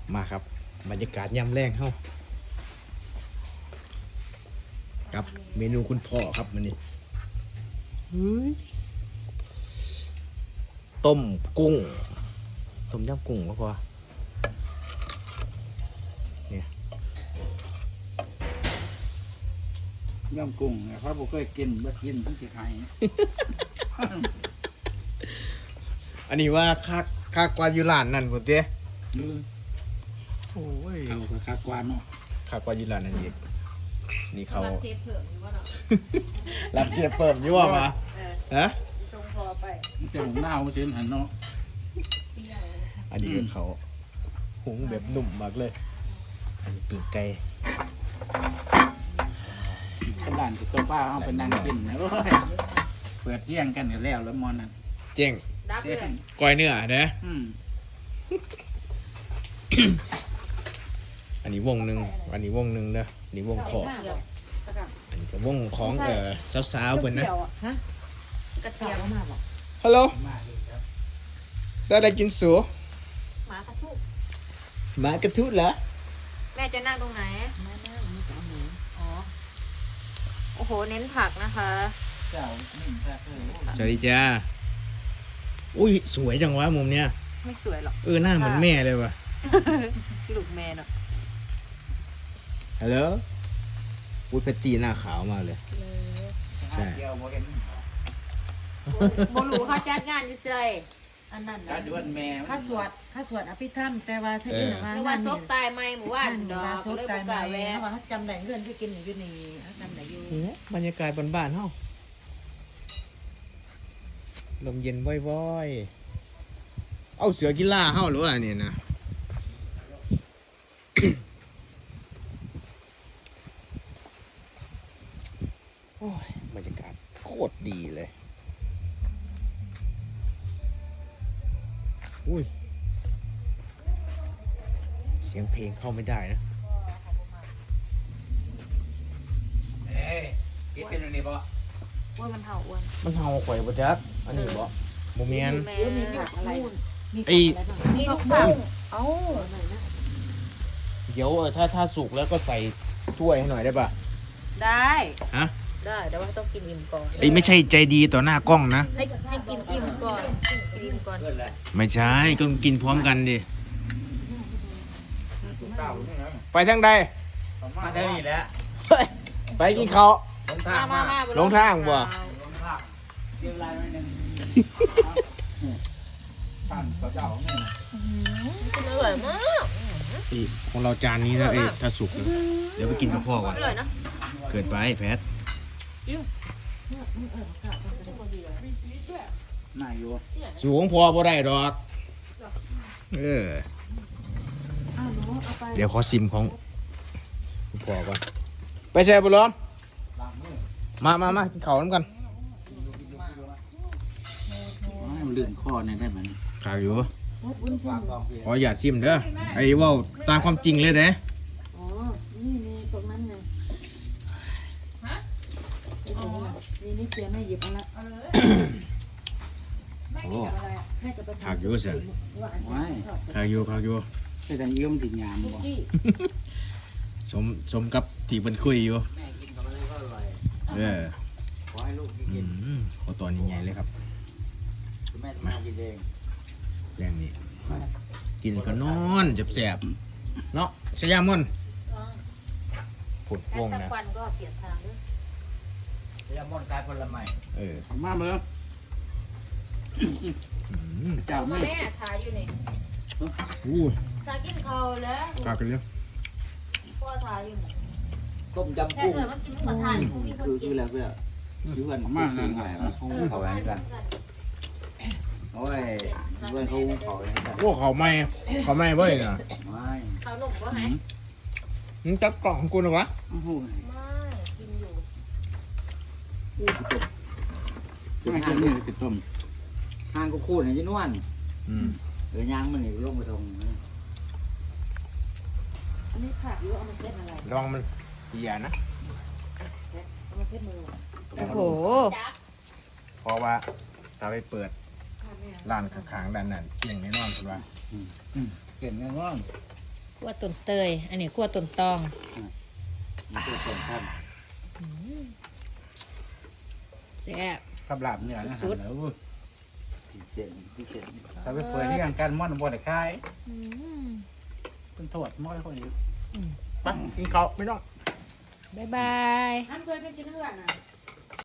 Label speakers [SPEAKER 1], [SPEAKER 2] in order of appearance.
[SPEAKER 1] มาครับบรรยากาศยามแรงเฮ้ากับเมนูคุณพ่อครับมันนี่ต้มกุ้งต้มยำกุ้งก็พอเนี่ย
[SPEAKER 2] ย่ำกุ้งเนี่ยเขาบอกเคยกินบ่กินทั้งสิไทย
[SPEAKER 1] อันนี้ว่าค่ากว่าอยู่ร้านนั่นพุ่นเด้โอ้ย
[SPEAKER 2] เขาก็คักกว่าเนาะ
[SPEAKER 1] ค่ากว่าอยู่ร้านนั่นอีกนี่เขา
[SPEAKER 3] รับเทปเพิ่มอยู่ว่าเนาะ
[SPEAKER 1] รับเทียบเปิมอยู่ว่ามาฮะ
[SPEAKER 3] ตรงพอไป
[SPEAKER 2] มันจะหมูหน้ามันจะหันเนาะ
[SPEAKER 3] เปรี้ยว
[SPEAKER 1] อันนี้เป็นเขาหุงแบบนุ่มมากเลยอันนี้ปีกไก่
[SPEAKER 2] เป็นร้านที่โซฟาเขาเป็นนั่งกินนะโอ้ยเปิดเที่ยงกันอยู่แล้วแล้วมอนนั่น
[SPEAKER 1] เจ๋ง
[SPEAKER 3] ดับเลย
[SPEAKER 1] ก้อยเนื้อเด้ อันนี้วงหนึ่งอันนี้วงหนึ่งเด้ออันนี้วงขอบอันนี้ก็วงของสาวๆเพิ่นนะ
[SPEAKER 3] กระเทียม
[SPEAKER 1] ฮัลโหลได้กินสู
[SPEAKER 3] หมากระทุก
[SPEAKER 1] หมากระทุเหรอ
[SPEAKER 3] แม่จะนั่งตรงไหนอ๋อโอ้โหเน้นผักนะคะ
[SPEAKER 2] เจ้านิ่มแท้เลย
[SPEAKER 1] สวัสดีจ้าอุ้ยสวยจังวะมุมเนี้ย
[SPEAKER 3] ไม่สวยหรอก
[SPEAKER 1] หน้าเหมือนแม่เลยว่ะ
[SPEAKER 3] ลูกแม่เนาะ
[SPEAKER 1] ฮัลโหลอุ้ยเพชรตีหน้าขาวมากเลย ใช่
[SPEAKER 2] เดียวโมเห็น
[SPEAKER 3] โบลูเขาจัดงานอยู่เฉย
[SPEAKER 4] อันนั้น
[SPEAKER 2] การดวนแม่
[SPEAKER 4] ข้าสวดอภิธรรมแต่ว่าถ้าอื่นว่า
[SPEAKER 3] นึกว่าซบตายไหมหมู่ว่านดอก
[SPEAKER 4] ซบ
[SPEAKER 3] เลย
[SPEAKER 4] ตา
[SPEAKER 3] บุ
[SPEAKER 4] ย
[SPEAKER 3] ก
[SPEAKER 4] มา
[SPEAKER 3] ล้าแวะ
[SPEAKER 4] ว่าเขาจำได้เงินที่กินอยู่นี่เขาจำได้อยู่
[SPEAKER 1] บรรยากาศบ้านๆเฮาลมเย็นว่อยๆเอาเสือกีฬาเฮาหรือว่าเนี่ยนะ โอ้ยบรรยากาศโคตรดีเลยอุ้ยเสียงเพลงเข้าไม่ได้นะ
[SPEAKER 2] เอ้ยกินเป็นอันนี้บ่
[SPEAKER 3] ว่ามันเห่าอ้วน
[SPEAKER 1] มันเห่าข่อยบ่จักอันนี้บ่บ่แม่น
[SPEAKER 3] แม่
[SPEAKER 4] เดี๋ยวมีผักอะไรมี
[SPEAKER 1] ไอ้
[SPEAKER 4] ผักอะไรบ้าง
[SPEAKER 3] มีทุกผัก
[SPEAKER 4] เอ้าหน่อยนะ
[SPEAKER 1] เดี๋ยวถ้าสุกแล้วก็ใส่ถ้วยให้หน่อยได้ป่ะ
[SPEAKER 3] ได้
[SPEAKER 1] ฮะ
[SPEAKER 3] ได้แต่ว่าต้องกินอิ่มก่อน
[SPEAKER 1] ไอ้ไม่ใช่ใจดีต่อหน้ากล้องนะ
[SPEAKER 3] ให้กินอิ่มก่อนกินอิ่มก่อน
[SPEAKER 2] เพื่อนเลย
[SPEAKER 1] ไม่ใช่ก็กินพร้อมกันดิ
[SPEAKER 2] เก้าเนี่ยนะ
[SPEAKER 1] ไปทางใด
[SPEAKER 2] มาเท่านี้แหละ
[SPEAKER 1] ไปกินข้าว
[SPEAKER 2] ลงทาง
[SPEAKER 3] มา
[SPEAKER 2] มา
[SPEAKER 3] มา
[SPEAKER 1] ลงทางบ่
[SPEAKER 2] ลงทางเกี่ยวลายไว้หนึ่งท่านเจ้าเนี่ย
[SPEAKER 3] อร่อยมาก
[SPEAKER 1] นี่ของเราจานนี้นะถ้าสุกแล้วเดี๋ยวไปกินกับพ่อก่อน
[SPEAKER 3] อร่อยนะ
[SPEAKER 1] เกิดไปแพท
[SPEAKER 2] น่าอยู่
[SPEAKER 1] สูงพอบ่ได้ดอก
[SPEAKER 4] อ้าวหนูเอาไป
[SPEAKER 1] เดี๋ยวขอซิมของคุณพ่อก่อนไปแช่บุญล้อม
[SPEAKER 2] ล้างมือ
[SPEAKER 1] มากินข้าวน้ำกัน
[SPEAKER 2] ให้มันลื่นคอเนี่ยได้ไหม
[SPEAKER 1] ข้าวอยู่
[SPEAKER 4] วุ้นเส้
[SPEAKER 2] วาน งกองพี่
[SPEAKER 1] ขออย่าตชิมเด้อไอ้เว่าตามความจริงเลยเด้
[SPEAKER 4] อ๋อนี่มีตรงนั้นไงฮะนี่เจียแม่หยิบเอาละ
[SPEAKER 1] โอ้
[SPEAKER 4] แม่จะไป
[SPEAKER 1] ผักอยู่เสีย
[SPEAKER 2] ว้าย
[SPEAKER 1] ข้าวอยู่
[SPEAKER 2] แต่ดังยิ้มติดยามบ่
[SPEAKER 1] สมกับที่เป็นคุยอยู่
[SPEAKER 2] แม่กินกับมันก็อร่อย ขอให้ลูกกิน
[SPEAKER 1] ขอตอนใหญ่ๆเลยครับ
[SPEAKER 2] แม่ทำมากินเอง
[SPEAKER 1] แรงนี้กินก็นอนแสบๆเนาะชยามอนผุด
[SPEAKER 3] แค่
[SPEAKER 1] วง
[SPEAKER 3] สัก
[SPEAKER 1] นะ
[SPEAKER 3] วันก็เปลี่ยนทางด้วย
[SPEAKER 2] ยามอนกายผลไม้
[SPEAKER 1] เออ
[SPEAKER 2] มาเมื่อ เจ้า
[SPEAKER 3] พ่อ
[SPEAKER 2] แม่
[SPEAKER 3] แม่ถ่ายอยู่นี่
[SPEAKER 1] อู้
[SPEAKER 3] ถ่ายกินข้าวแล้ว
[SPEAKER 1] กากันเร็ว
[SPEAKER 3] พ่อถ่ายอยู่นี่
[SPEAKER 2] ต้มยำ
[SPEAKER 3] แค่
[SPEAKER 2] กุ้ง
[SPEAKER 3] เกิดว่ากินหมูกระทะนี่มีคนกิน
[SPEAKER 2] แล้วเพื่อยืนมากเลยไงเขาแหวนกันโอ้ยเพื่อนเขาเขาแหวนกัน
[SPEAKER 1] โอ้เขาไม่เว้ยนะ
[SPEAKER 2] ไม่
[SPEAKER 3] ข้าวหนุ่มก็ไหม
[SPEAKER 1] มึงจับกล่องของกูหรอวะ
[SPEAKER 2] โอ้โห
[SPEAKER 3] ไม่กินอยู่
[SPEAKER 2] ไม่กินนี่ติดต้มทางก็คูดเห็นยี่นวล
[SPEAKER 1] อืม
[SPEAKER 2] หรือย่างมันนี่ลงไปตรง
[SPEAKER 4] อันนี้ผักหรือเอามาเช็ดอะไร
[SPEAKER 1] ระวังมันเหี่ยนะ
[SPEAKER 4] เอามาเช็ดมือ
[SPEAKER 3] โอ้โห
[SPEAKER 1] เพราะว่าถ้าไปเปิดร้านข้างๆด้านนั้นเที่ยงแน่นอนคุณว่า
[SPEAKER 2] เก่งแน่นอน
[SPEAKER 3] คั่วต้นเตย อันนี้คั่วต้นตอง
[SPEAKER 2] มันตัวสำคัญ
[SPEAKER 3] แซ่บ
[SPEAKER 5] กับลาบเนื้อนะฮะแล้ว
[SPEAKER 2] พิเศษพิเศษ
[SPEAKER 5] ถ้าไปเปิดที่กันม่อนบ่ได้ขาย
[SPEAKER 3] อืม
[SPEAKER 5] เป็นโทษน้อยคนอยู่
[SPEAKER 1] ไปกินข้าวไม่ต้อง
[SPEAKER 3] บ๊ายบาย
[SPEAKER 4] ท่านเคยไปกินเพื่อนอ่ะ